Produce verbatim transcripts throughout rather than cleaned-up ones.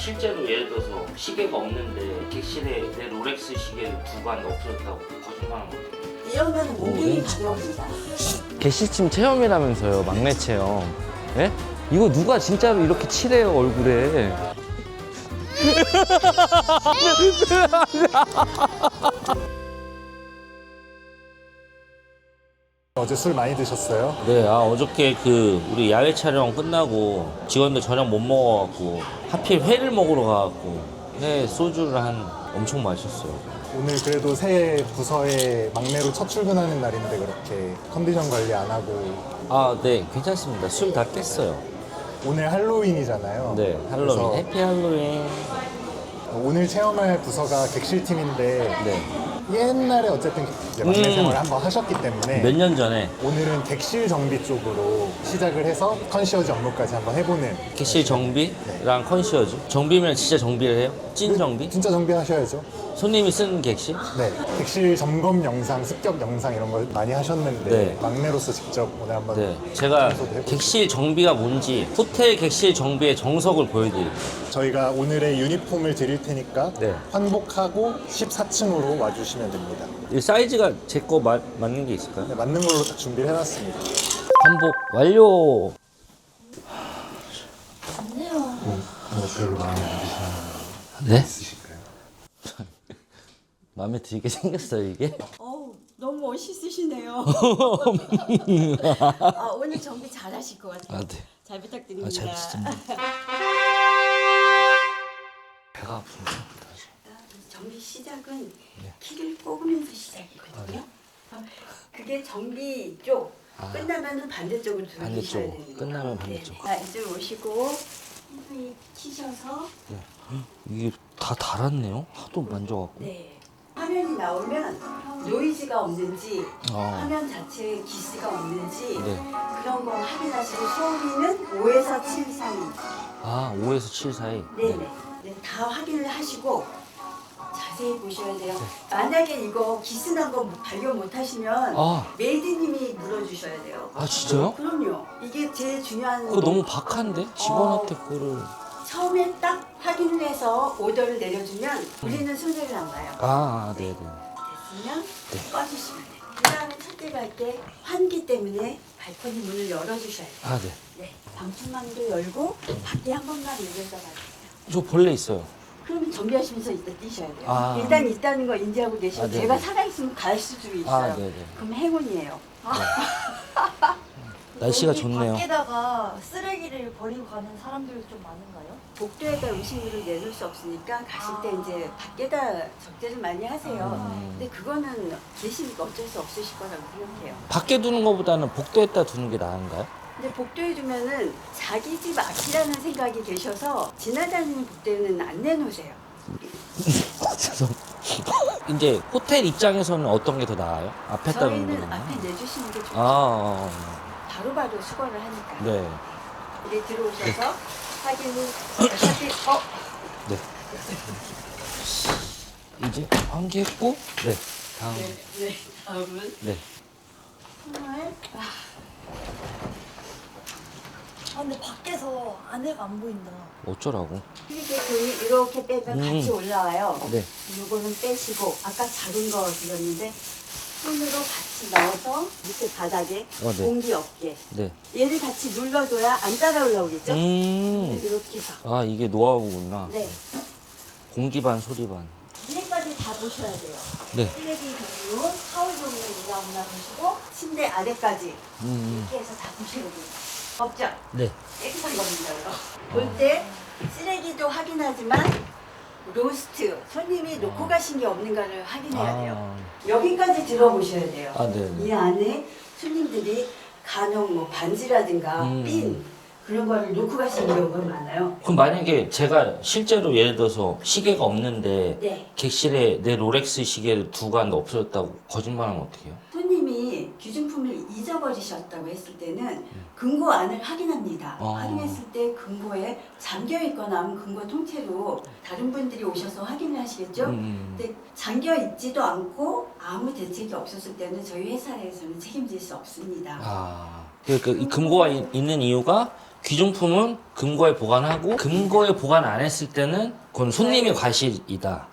실제로 예를 들어서 시계가 없는데 객실에 내 롤렉스 시계를 두고 왔는데 없어졌다고 거짓말하면 어떡해? 이러면 무기이 오, 가격입니다. 개시침 체험이라면서요, 막내 체험. 예? 이거 누가 진짜로 이렇게 칠해요, 얼굴에. 어제 술 많이 드셨어요? 네, 아 어저께 그 우리 야외 촬영 끝나고 직원들 저녁 못 먹어갖고 하필 회를 먹으러 가갖고 회 소주를 한 엄청 마셨어요. 오늘 그래도 새 부서에 막내로 첫 출근하는 날인데 그렇게 컨디션 관리 안 하고 아, 네, 괜찮습니다. 술 다 깼어요. 오늘 할로윈이잖아요. 네, 할로윈, 그래서 해피 할로윈. 오늘 체험할 부서가 객실팀인데 네, 옛날에 어쨌든 이제 막내 음. 생활을 한번 하셨기 때문에 몇 년 전에 오늘은 객실 정비 쪽으로 시작을 해서 컨시어지 업무까지 한번 해보는. 객실 정비랑 컨시어지. 정비면 진짜 정비를 해요? 찐 정비? 진짜 정비하셔야죠. 손님이 쓰는 객실? 네, 객실 점검 영상, 습격 영상 이런 걸 많이 하셨는데 네. 막내로서 직접 오늘 한번 네, 제가 청소도 해보시고. 객실 정비가 뭔지 호텔 객실 정비의 정석을 보여드릴게요. 저희가 오늘의 유니폼을 드릴 테니까 네. 환복하고 십사 층으로 와주시면 됩니다. 이 사이즈가 제 거 맞는 게 있을까요? 네, 맞는 걸로 딱 준비를 해놨습니다. 환복 완료. 뭐 별로 마음에 안 드시는 네? 있으실까요? 마음에 들게 생겼어요 이게? 어우, 너무 멋있으시네요. 아, 오늘 정비 잘 하실 것 같아요. 아, 네. 잘 부탁드립니다. 아, 잘 부탁드립니다. 배가 아픕니다. 정비 시작은 키를 꼽으면서 시작이거든요. 어, 그게 정비 쪽 끝나면 반대쪽으로 돌리셔야 반대쪽으로. 됩니다. 끝나면 반대쪽. 네. 자, 이제 오시고 손이 키셔서 이게 다 달았네요. 하도 만져갖고. 네. 화면이 나오면 노이즈가 없는지 아. 화면 자체에 기스가 없는지 네. 그런 거 확인하시고 소음이는 오에서 칠 사이. 아, 오에서 칠 사이. 네네. 네, 다 확인을 하시고 자세히 보셔야 돼요. 만약에 이거 기스 난 거 발견 못 하시면 아. 메이드님이 물어주셔야 돼요. 아, 진짜요? 그럼요. 이게 제일 중요한 그거 너무 박한데? 직원한테 그거를. 처음에 딱 확인을 해서 오더를 내려주면 우리는 손해를 안 봐요. 아, 네네. 됐으면 꺼주시면 돼요. 그 다음에 첫째 갈게 환기 때문에 발코니 문을 열어주셔야 돼요. 아, 네. 네. 방충망도 열고 밖에 한 번만 열려서 가세요. 저 벌레 있어요. 그러면 정비하시면서 일단 뛰셔야 돼요. 아. 일단 있다는 거 인지하고 계시고 아, 네네. 제가 살아있으면 갈 수도 있어요. 아, 네네. 그럼 행운이에요. 날씨가 여기 좋네요. 밖에다가 쓰레기를 버리고 가는 사람들이 좀 많은가요? 복도에다 음식물을 내놓을 수 없으니까 가실 때 이제 밖에다 적재를 많이 하세요. 음. 근데 그거는 계시니까 어쩔 수 없으실 거라고 생각해요. 밖에 두는 것보다는 복도에다 두는 게 나은가요? 근데 복도에 두면은 자기 집 앞이라는 생각이 계셔서 지나다니는 복도에는 안 내놓으세요. 죄송. 이제 호텔 입장에서는 어떤 게 더 나아요? 앞에다 두는 게 저희는 나아요? 앞에 내주시는 게 좋죠. 아, 아, 아. 바로바로 수거를 하니까. 네. 우리 들어오셔서 확인을 어차피 어 네. 이제 환기했고, 네. 다음. 네, 네. 다음은 네. 정말 아, 아 근데 밖에서 안에가 안 보인다. 어쩌라고? 이렇게 돈이 이렇게 빼면 음. 같이 올라와요. 네. 요거는 빼시고 아까 작은 거 드렸는데 손으로 같이 넣어서 밑에 바닥에 어, 네. 공기 없게 네. 얘를 같이 눌러줘야 안 따라 올라오겠죠? 음. 이렇게 해서 아, 이게 노하우구나. 네. 공기 반, 소리 반. 위에까지 다 보셔야 돼요. 네. 쓰레기 종류, 타월 종류 올라오나 보시고 침대 아래까지 음. 이렇게 해서 다 보셔야 돼요. 없죠? 네. 깨끗한 겁니다. 볼 때 쓰레기도 확인하지만 로스트 손님이 놓고 가신 게 없는가를 확인해야 돼요. 여기까지 들어보셔야 돼요. 아, 네, 네. 이 안에 손님들이 간혹 뭐 반지라든가 음. 핀 그런 거를 놓고 가시는 경우가 많아요. 그럼 만약에 제가 실제로 예를 들어서 시계가 없는데 네. 객실에 내 롤렉스 시계를 두고 왔는데 없어졌다고 거짓말하면 어떻게 해요? 손님이 귀중품을 잊어버리셨다고 했을 때는 금고 안을 확인합니다. 아. 확인했을 때 금고에 잠겨 있거나 하면 금고 통째로 다른 분들이 오셔서 확인을 하시겠죠? 음. 근데 잠겨 있지도 않고 아무 대책이 없었을 때는 저희 회사에서는 책임질 수 없습니다. 아, 그러니까 이 금고가 이- 있는 이유가 귀중품은 금고에 보관하고 금고에 보관 안 했을 때는 그건 손님의 과실이다.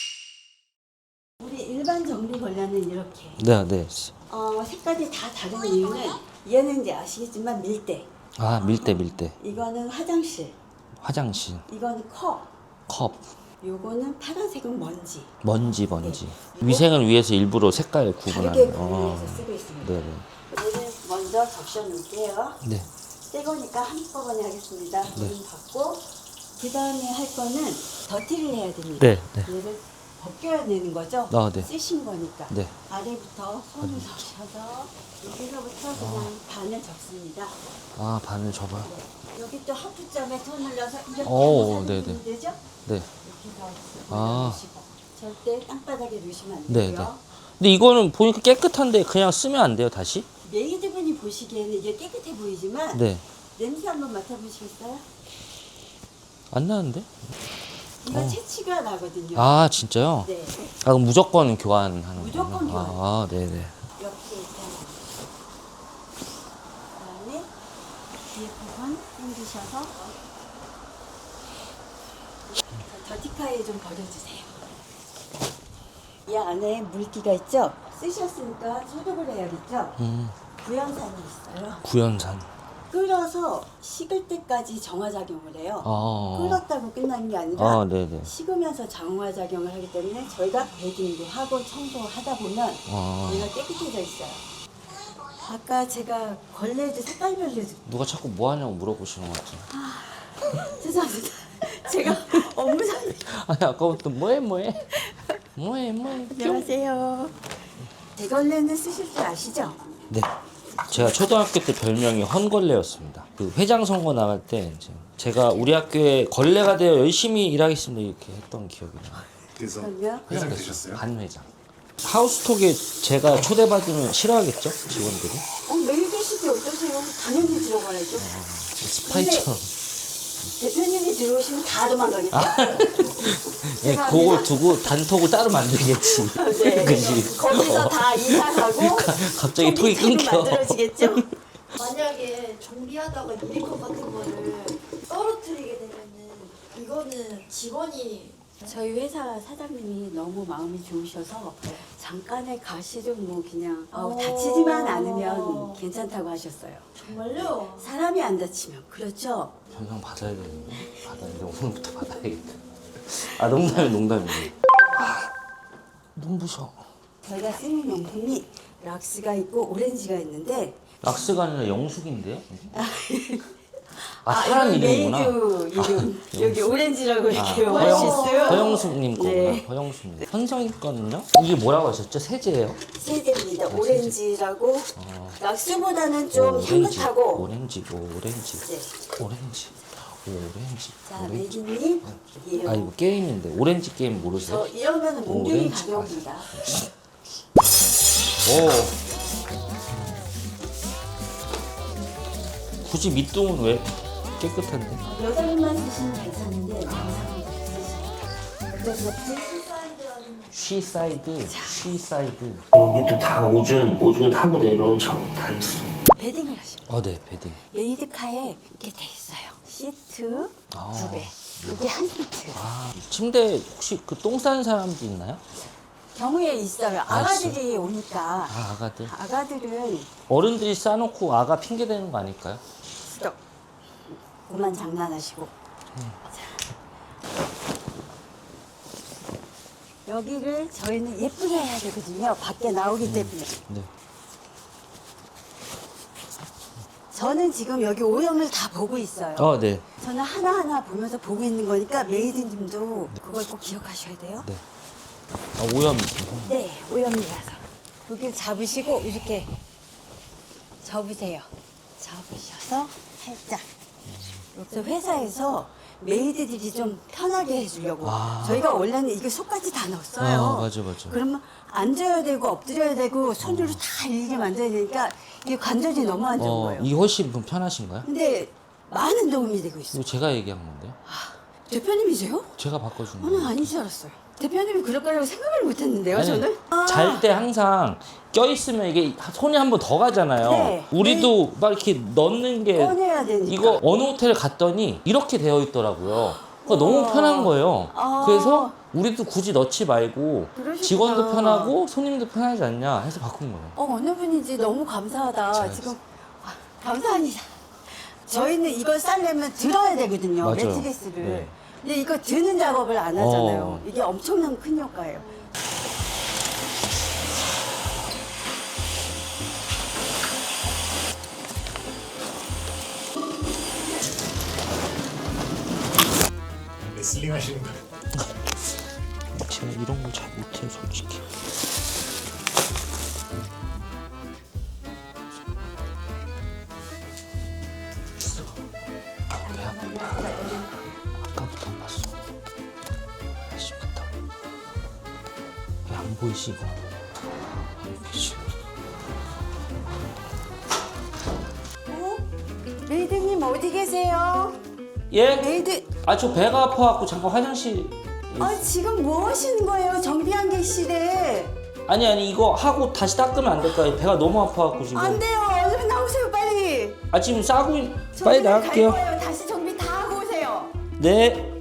우리 일반 정비 걸레는 이렇게 네, 네. 어, 색깔이 다 다른 이유는 얘는 이제 아시겠지만 밀대, 아, 밀대, 밀대. 이거는 화장실, 화장실, 이거는 컵, 컵, 요거는 파란색은 먼지. 먼지, 먼지. 네. 위생을 위해서 일부러 색깔 다르게 구분하는. 구분해서 어. 쓰고 있습니다. 네, 네. 얘는 먼저 적셔 놓을게요. 네. 새 거니까 한꺼번에 하겠습니다. 물 받고 그 다음에 할 거는 더티를 해야 됩니다. 네, 네. 얘를 벗겨야 되는 거죠? 아, 네. 쓰신 거니까. 네. 아래부터 손을 적셔서 여기서부터 그냥 반을 접습니다. 아, 바늘 접어요. 여기 또 하프점에 손을 넣어서 이렇게 오, 하면 네네. 되는 되죠? 네. 이렇게 넣어서 아. 놓으시고 절대 땅바닥에 놓으시면 안 네, 되고요. 네. 근데 이거는 보니까 깨끗한데 그냥 쓰면 안 돼요, 다시? 메이드분이 보시기에는 이게 깨끗해 보이지만 네. 냄새 한번 맡아보시겠어요? 안 나는데? 이거 채취가 나거든요. 아, 진짜요? 네. 아, 그럼 무조건 교환하는 거예요? 무조건 교환. 아, 네, 네. 이렇게 일단 그다음에 뒤에 부분 당기셔서 더티카에 좀 버려주세요. 이 안에 물기가 있죠? 쓰셨으니까 소독을 해야겠죠? 음, 구연산이 있어요. 구연산. 끓여서 식을 때까지 정화작용을 해요. 아. 끓었다고 끝나는 게 아니라 아, 네, 네. 식으면서 정화작용을 하기 때문에 저희가 베딩도 하고 청소하다 보면 아. 얘가 깨끗해져 있어요. 아까 제가 걸레도 색깔별로 누가 자꾸 뭐 하냐고 물어보시는 것 같아요. 죄송합니다. 제가 업무상 아니, 아까부터 뭐해, 뭐해? 뭐해, 뭐해? 안녕하세요. 대걸레는 쓰실 줄 아시죠? 네. 제가 초등학교 때 별명이 헌걸레였습니다. 그 회장 선거 나갈 때 이제 제가 우리 학교에 걸레가 되어 열심히 일하겠습니다 이렇게 했던 기억이 나요. 그래서 그럼요. 회장 되셨어요? 반회장. 하우스톡에 제가 초대받으면 싫어하겠죠? 직원들이? 어, 매일 계시지 어떠세요? 당연히 들어가야죠. 스파이처럼. 대표님이 들어오시면 다 도망가겠죠? 예, 그걸 두고 단톡을 따로 만들겠지. 네. 그지? 거기서 어. 다 이사가고 갑자기 톡이 끊겨. 만들어지겠죠? 만약에 정비하다가 유리컵 같은 거를 떨어뜨리게 되면은 이거는 직원이 저희 회사 사장님이 너무 마음이 좋으셔서 잠깐의 가시좀 뭐 그냥 어, 다치지만 않으면 괜찮다고 하셨어요. 정말요? 사람이 안 다치면 그렇죠? 변상 받아야 되는데. 받아야 돼. 오늘부터 받아야겠다. 아, 농담이 농담이에요. 아, 눈부셔. 저희가 쓰는 용품이 락스가 있고 오렌지가 있는데 락스가 아니라 영숙인데요? 아, 아, 사람 이건 이름이구나. 메이드 이름 아, 여기 오렌지라고 이렇게 아, 볼수 있어요. 허영숙님 거구나. 네. 허영숙님. 현성이 거는요? 이게 뭐라고 하셨죠? 세제예요? 세제입니다. 오렌지라고 락스보다는 좀 오렌지, 향긋하고 오렌지, 오렌지, 네. 오렌지, 오렌지. 자 오렌지. 메이드님 이름. 아, 이거 게임인데 오렌지 게임 모르세요? 저 이러면 몽둥이 오렌지. 가져옵니다. 오. 굳이 밑동은 왜 깨끗한데? 여자분만 쓰시면 괜찮은데 남자분들 쓰시니까 어떤 것지? 쉬사이드, 쉬사이드. 여기도 다 오줌, 오줌 타고 내려온 장다 있어. 베딩을 하시고 어, 네, 베딩. 메이드카에 이렇게 돼 있어요. 시트 아. 두 배. 이게 한 시트. 아, 침대 혹시 그 똥 싸는 사람도 있나요? 경우에 있어요. 아가들이 오니까 아, 아가들. 아가들은 어른들이 싸놓고 아가 핑계 대는 거 아닐까요? 스톱. 그만 장난하시고. 자. 여기를 저희는 예쁘게 해야 되거든요. 밖에 나오기 때문에. 네. 저는 지금 여기 오염을 다 보고 있어요. 어, 네. 저는 하나하나 보면서 보고 있는 거니까 메이드님도 그걸 꼭 기억하셔야 돼요. 네. 아, 오염. 네, 오염이라서. 여기를 잡으시고 이렇게 접으세요. 접으셔서 살짝. 여기서 회사에서 메이드들이 좀 편하게 해주려고. 아. 저희가 원래는 이게 속까지 다 넣었어요. 아, 맞아, 맞아. 그러면 앉아야 되고 엎드려야 되고 손으로 다 일일이 만져야 되니까 이게 관절이 너무 안 좋은 어, 거예요. 이게 훨씬 좀 편하신가요? 근데 많은 도움이 되고 있어요. 이거 제가 얘기한 건데요. 대표님이세요? 제가 바꿔준 어, 거예요. 난 아닌 줄 알았어요. 대표님이 그럴 거라고 생각을 못 했는데요, 아니, 저는? 아. 잘 때 항상 껴있으면 이게 손이 한 번 더 가잖아요. 네. 우리도 막 이렇게 넣는 게 꺼내야 되니까. 이거 어느 호텔 갔더니 이렇게 되어 있더라고요. 그러니까 너무 편한 거예요. 아. 그래서 우리도 굳이 넣지 말고 그러시구나. 직원도 편하고 손님도 편하지 않냐 해서 바꾼 거예요. 어, 어느 분인지 너무 감사하다. 잘했어. 지금 아, 감사합니다. 저희는 이걸 싸려면 들어야 되거든요, 맞아요. 매트리스를. 네. 근데 이거 드는 작업을 안 하잖아요. 어. 이게 엄청난 큰 효과예요. 레슬링 하시는 거예요? 제가 이런 걸 잘 못해요, 솔직히. 배 아프다. 아까부터 안 봤어. 아쉽겠다. 배 안 보이시 이거? 안 보이시? 어? 메이드님 어디 계세요? 예? 메이드, 아, 저 배가 아파갖고 잠깐 화장실. 아, 지금 뭐 하시는 거예요? 정비한 객실에. 아니 아니 이거 하고 다시 닦으면 안 될까요? 배가 너무 아파갖고 지금. 안 돼요. 얼른 나오세요, 빨리. 아 지금 싸고 있... 정비 빨리 갈 나갈게요. 거예요. 다시 정비 다 하고 오세요. 네.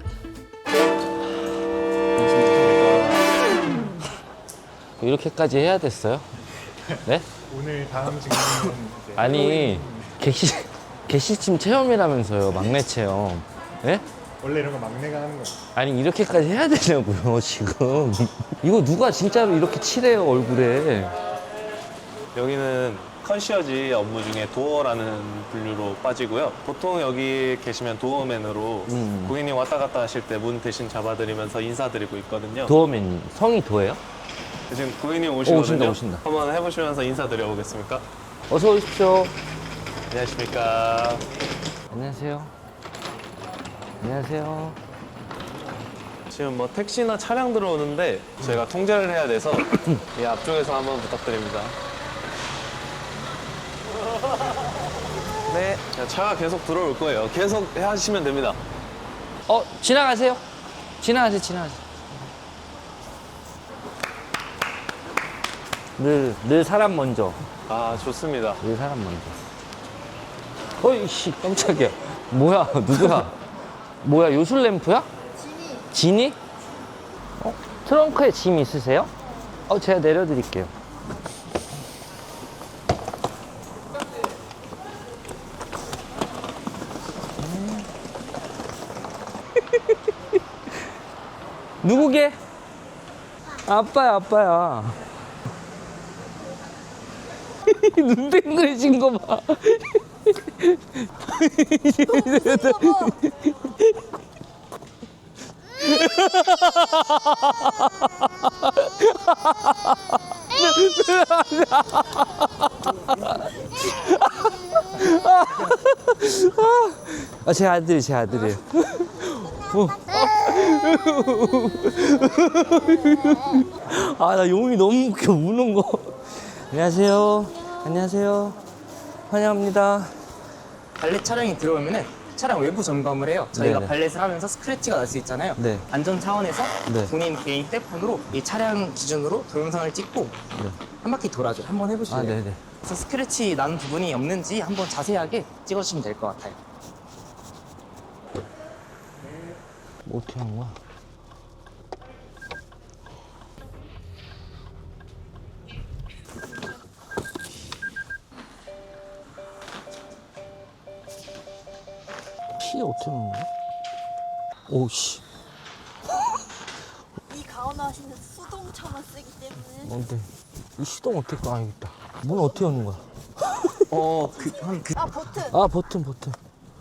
이렇게까지 해야 됐어요? 네? 오늘 다음 증명은 이제 아니 개시 개시침 체험이라면서요, 막내 체험. 예? 원래 이런 거 막내가 하는 거예요. 아니 이렇게까지 해야 되냐고요 지금. 이거 누가 진짜로 이렇게 칠해요 얼굴에. 여기는 컨시어지 업무 중에 도어라는 분류로 빠지고요. 보통 여기 계시면 도어맨으로 음. 고객님 왔다 갔다 하실 때 문 대신 잡아드리면서 인사드리고 있거든요. 도어맨님 성이 도예요? 지금 고객님 오시거든요. 오신다, 오신다. 한번 해보시면서 인사드려 보겠습니까? 어서 오십시오. 안녕하십니까. 안녕하세요. 안녕하세요. 지금 뭐 택시나 차량 들어오는데 저희가 통제를 해야 돼서 이 앞쪽에서 한번 부탁드립니다. 네, 차가 계속 들어올 거예요. 계속 하시면 됩니다. 어 지나가세요. 지나가세요. 지나가세요. 늘, 늘 사람 먼저. 아, 좋습니다. 늘 사람 먼저. 어이씨 깜짝이야. 뭐야 누구야? 뭐야 요술 램프야? 지니. 지니? 어? 트렁크에 짐 있으세요? 어 제가 내려드릴게요. 음. 누구게? 아빠야 아빠야. 눈 땡그리신 거 봐. 아, 제 아들이 제 아들이에요. 어. 아, 나 용이 너무 웃겨 우는 거. 안녕하세요. 안녕하세요. 환영합니다. 발렛 차량이 들어오면은 차량 외부 점검을 해요. 저희가 네네. 발렛을 하면서 스크래치가 날 수 있잖아요. 네. 안전 차원에서 네. 본인 개인 휴대폰으로 이 차량 기준으로 동영상을 찍고 한 바퀴 돌아줘. 한번 해보실래요? 아, 네네. 그래서 스크래치 난 부분이 없는지 한번 자세하게 찍어주시면 될 것 같아요. 뭐 어떻게 하는 거야? 키 어떻게 하는 거야? 오씨. 이 가온하시는 수동차만 쓰기 때문에 뭔데? 이 시동 어떻게 꺼? 아, 여기 있다. 문 어떻게 여는 거야? 어, 그, 한, 그, 아 버튼 아, 버튼, 버튼.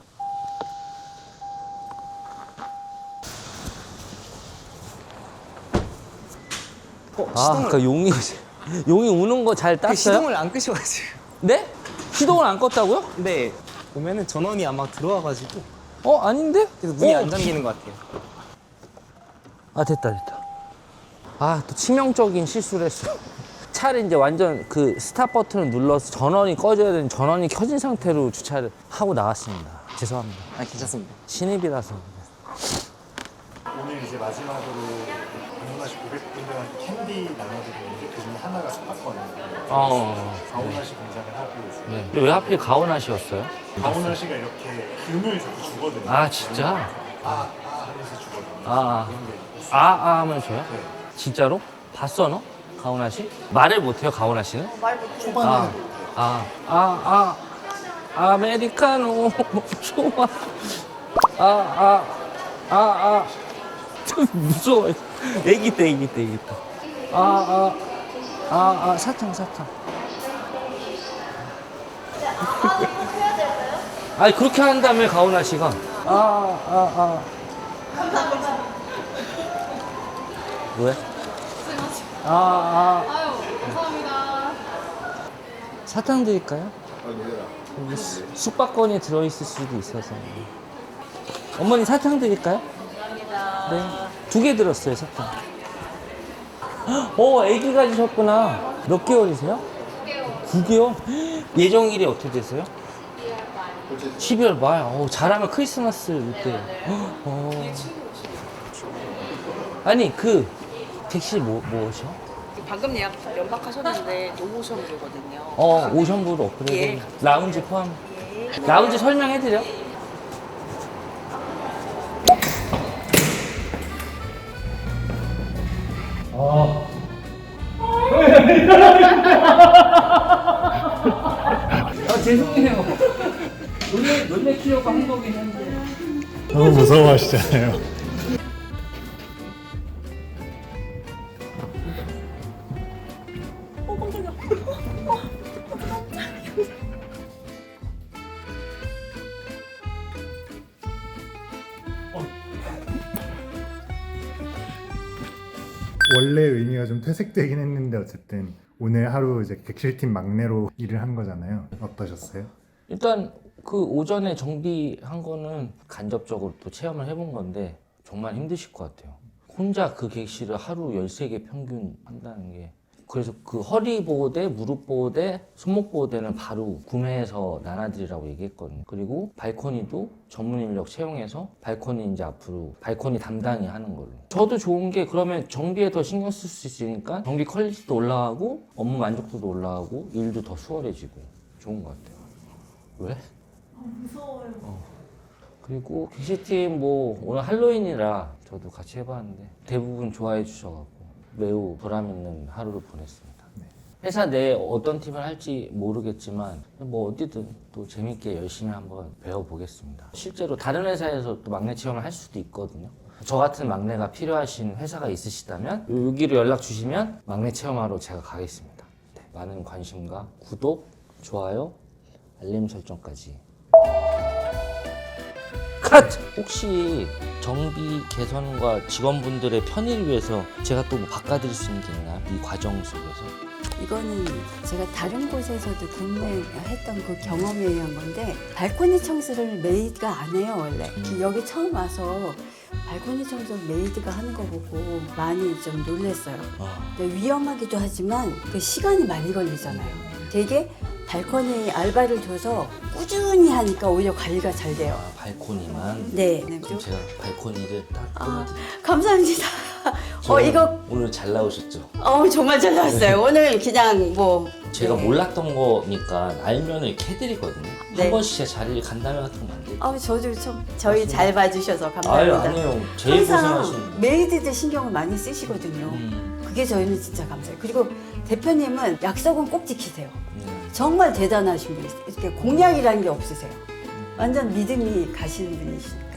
어, 아, 시동을, 아까 용이, 용이 우는 거 잘 그 땄어요? 시동을 안 끄셔가지고. 네? 시동을 안 껐다고요? 근데 보면은 전원이 아마 들어와가지고 어, 아닌데? 그래서 문이 어. 안 잠기는 것 같아요. 아, 됐다, 됐다. 아, 또 치명적인 실수를 했어. 차를 이제 완전 그 스탑 버튼을 눌러서 전원이 꺼져야 되는 전원이 켜진 상태로 주차를 하고 나왔습니다. 죄송합니다. 아, 괜찮습니다. 신입이라서. 오늘 이제 마지막으로 방문하신 고객분들한테 캔디 나눠드리는데 그 중에 하나가 스파권이에요. 어. 가오나시 공장을 하고 있어요. 네. 근데 왜 하필 가오나시였어요? 가오나시가 이렇게 금을 자꾸 주거든요. 아 진짜? 아, 아 하면서 주거든요. 아, 그런 게 있어요. 아, 아 하면 줘요? 네. 진짜로? 봤어 너? 가오나시? 말을 못해요 가오나시는? 말 못해. 초반에는 아, 아, 아, 아, 아메리카노 좋아. 아, 아, 아, 아, 좀 무서워요. 애기 때, 애기 때, 애기 때. 아, 아, 아, 아, 사탕, 사탕. 아니 그렇게 한다며 가오나 씨가. 아, 아, 아. 왜? 아, 아. 아유, 감사합니다. 사탕 드릴까요? 여기 수- 숙박권이 들어있을 수도 있어서. 어머니 사탕 드릴까요? 감사합니다. 네. 두 개 들었어요, 사탕. 어, 애기 가지셨구나. 몇 개월이세요? 구 개월. 예정일이 어떻게 되세요? 십이월 말. 어, 잘하면 크리스마스 이때. 어. 아니, 그, 객실 뭐, 뭐셔? 방금 예약 연락하셨는데 노모션이거든요. 어, 오션부로 업그레이드. 예. 라운지 포함. 라운지 설명해드려? 아. 아, 죄송해요. 놀래, 놀래키려고 한 거긴 한데. 너무 무서워하시잖아요. 원래 의미가 좀 퇴색되긴 했는데 어쨌든 오늘 하루 이제 객실팀 막내로 일을 한 거잖아요. 어떠셨어요? 일단 그 오전에 정비한 거는 간접적으로 또 체험을 해본 건데 정말 힘드실 것 같아요. 혼자 그 객실을 하루 열세 개 평균 한다는 게. 그래서 그 허리 보호대, 무릎 보호대, 손목 보호대는 바로 구매해서 나눠드리라고 얘기했거든요. 그리고 발코니도 전문 인력 채용해서 발코니 이제 앞으로 발코니 담당이 하는 걸로. 저도 좋은 게 그러면 정비에 더 신경 쓸 수 있으니까 정비 퀄리티도 올라가고 업무 만족도도 올라가고 일도 더 수월해지고 좋은 것 같아요. 왜? 무서워요. 그리고 객실팀 뭐 오늘 할로윈이라 저도 같이 해봤는데 대부분 좋아해 주셔가지고 매우 보람있는 하루를 보냈습니다. 회사 내 어떤 팀을 할지 모르겠지만 뭐 어디든 또 재밌게 열심히 한번 배워보겠습니다. 실제로 다른 회사에서 또 막내 체험을 할 수도 있거든요. 저 같은 막내가 필요하신 회사가 있으시다면 여기로 연락 주시면 막내 체험하러 제가 가겠습니다. 네, 많은 관심과 구독, 좋아요, 알림 설정까지. 컷! 혹시 정비 개선과 직원분들의 편의를 위해서 제가 또 뭐 바꿔드릴 수 있는 게 있나요? 이 과정 속에서? 이거는 제가 다른 곳에서도 근무했던 그 경험에 의한 건데 발코니 청소를 메이드가 안 해요 원래. 여기 처음 와서 발코니 청소 메이드가 하는 거 보고 많이 좀 놀랐어요. 아, 근데 위험하기도 하지만 그 시간이 많이 걸리잖아요. 되게 발코니 알바를 줘서 꾸준히 하니까 오히려 관리가 잘 돼요. 아, 발코니만? 네. 그럼 제가 발코니를 딱 아, 끊어드릴게요. 감사합니다. 어 저는 이거 오늘 잘 나오셨죠? 어 정말 잘 나왔어요. 오늘 그냥 뭐 제가 네. 몰랐던 거니까 알면 이렇게 해드리거든요. 네. 한 번씩 제 자리를 간담회 같은 거 만들고. 아 저도 좀 저희 잘 봐주셔서 아유, 감사합니다. 아니에요. 제일 항상 고생하시는. 메이드들 신경을 많이 쓰시거든요. 음, 그게 저희는 진짜 감사해요. 그리고 대표님은 약속은 꼭 지키세요. 음. 정말 대단하신 분이세요. 이렇게 공약이라는 게 없으세요. 완전 믿음이 가시는 분이시죠.